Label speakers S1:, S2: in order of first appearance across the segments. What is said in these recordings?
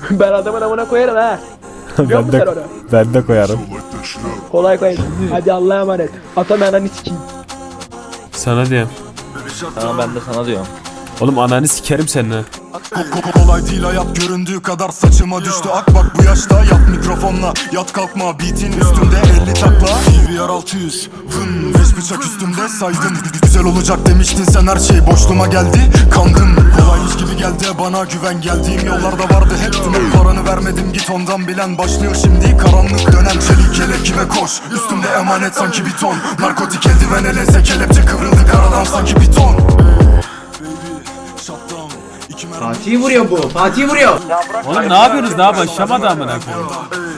S1: Ben adamın amına koyarım ha. Biliyor musun sen onu?
S2: Ben de koyarım.
S1: Kolay koy. Hadi Allah'a emanet. Atam ananı sikeyim.
S2: Sana diyorum.
S3: Tamam ben de sana diyorum.
S2: Oğlum ananı sikerim seninle.
S4: Kolay değil hayat göründüğü kadar saçıma düştü. Ak bak bu yaşta yat mikrofonla. Yat kalkma beatin üstümde 50 takla. PVR 600 vın 5 bıçak üstümde saydım. Güzel olacak demiştin sen, her şey boşluğuma geldi. Kandım kolaymış gibi geldi bana güven. Geldiğim yollarda vardı hep tüm paranı vermedim git ondan bilen. Başlıyor şimdi karanlık dönem, çelik yelek kime koş. Üstümde emanet sanki bir ton. Narkotik eldiven elense kelepçe kıvrıldı karadan sanki bir ton.
S5: Fatih vuruyor bu. Fatih vuruyor.
S2: Oğlum ne yapıyorsunuz, daha başlamadı amına koyayım.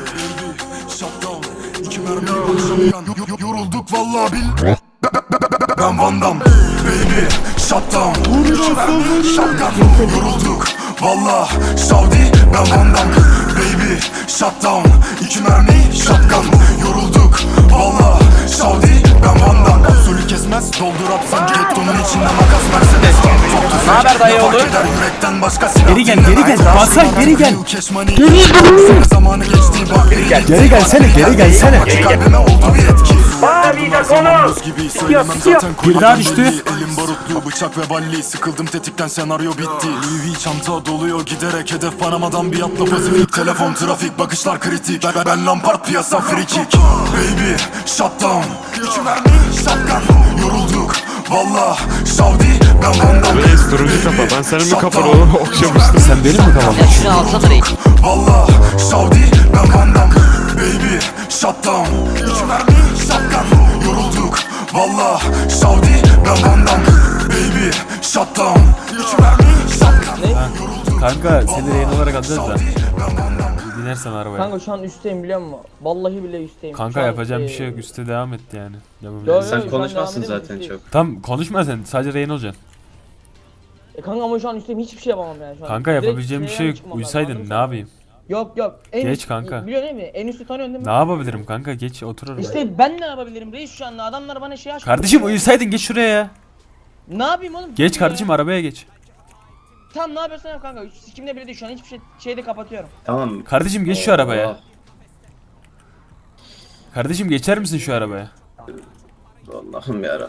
S4: Yorulduk vallahi bil. Ben Van Damme, baby, shutdown. Yorulduk vallahi Saudi, ben Van Damme, baby, shutdown. 2 mermi, shotgun. Yorulduk vallahi Saudi, ben Van Damme. Usulü kesmez, doldur atsan gettonun içinde makas Mercedes.
S3: Ne haber dayı oğlu?
S2: Geri gel, geri gel. Basar geri gel.
S4: Zamanı geçti bak geri gel.
S2: Geri gelsene, geri gelsene.
S4: Kalbime oldu bir etki.
S2: Bir daha düştü.
S4: Elim barutlu bıçak ve balli. Sıkıldım tetikten senaryo bitti. Louis V çanta doluyor giderek. Hedef Panama'dan bir atla Pasifik. Telefon trafik bakışlar kritik. Ben Lampard piyasa free kick. Baby shutdown. 2 mermi shotgun. Yorulduk valla Saudi, ben Van Damme.
S6: Reis turuncu kafa. Ben senin mi kafanı oğlum okşamıştım.
S2: Sen benim mi kafamda?
S3: Ya şunu alsana reis.
S4: Valla Saudi, ben Van Damme. Baby shutdown. 2 mermi shotgun. Yorulduk valla Saudi, ben Van Damme. Baby shutdown. 2 mermi shotgun.
S2: Kanka seni rehin olarak alacağız da. Binersen arabaya.
S1: Kanka şu an üstteyim biliyor musun? Vallahi bile üstteyim.
S2: Kanka
S1: Şu an,
S2: yapacağım bir şey yok, üstte devam et yani.
S1: Yo,
S2: Yapabilirsin.
S1: yo,
S5: Sen
S1: şu an
S5: konuşmazsın
S1: devam edelim,
S5: zaten
S1: üstteyim.
S5: çok.
S2: Tam konuşma sen, sadece rehin olacaksın.
S1: Kanka ama şu an üstteyim, hiçbir şey yapamam yani şu an.
S2: Kanka
S1: Direkt
S2: yapabileceğim bir şey
S1: şeyden
S2: yok.
S1: çıkmam lazım,
S2: Uysaydın
S1: anladın
S2: ne
S1: mı?
S2: yapayım?
S1: Yok. En
S2: Geç
S1: üst,
S2: kanka.
S1: Biliyorsun değil mi? En üstü tanıyorsun değil mi?
S2: Ne yapabilirim kanka, geç otur oraya.
S1: İşte ben ne yapabilirim reis şu anda? Adamlar bana şey açtı.
S2: Kardeşim uyusaydın, geç şuraya ya.
S1: Ne yapayım oğlum?
S2: Geç
S1: Ya.
S2: kardeşim, arabaya geç.
S1: Tamam ne yapıyorsan yap kanka. Sikimde bile değil şu an, hiçbir şeyde kapatıyorum.
S5: Tamam.
S2: Kardeşim geç şu arabaya.
S5: Allah.
S2: Kardeşim geçer misin şu arabaya?
S5: Allah'ım yarabbim.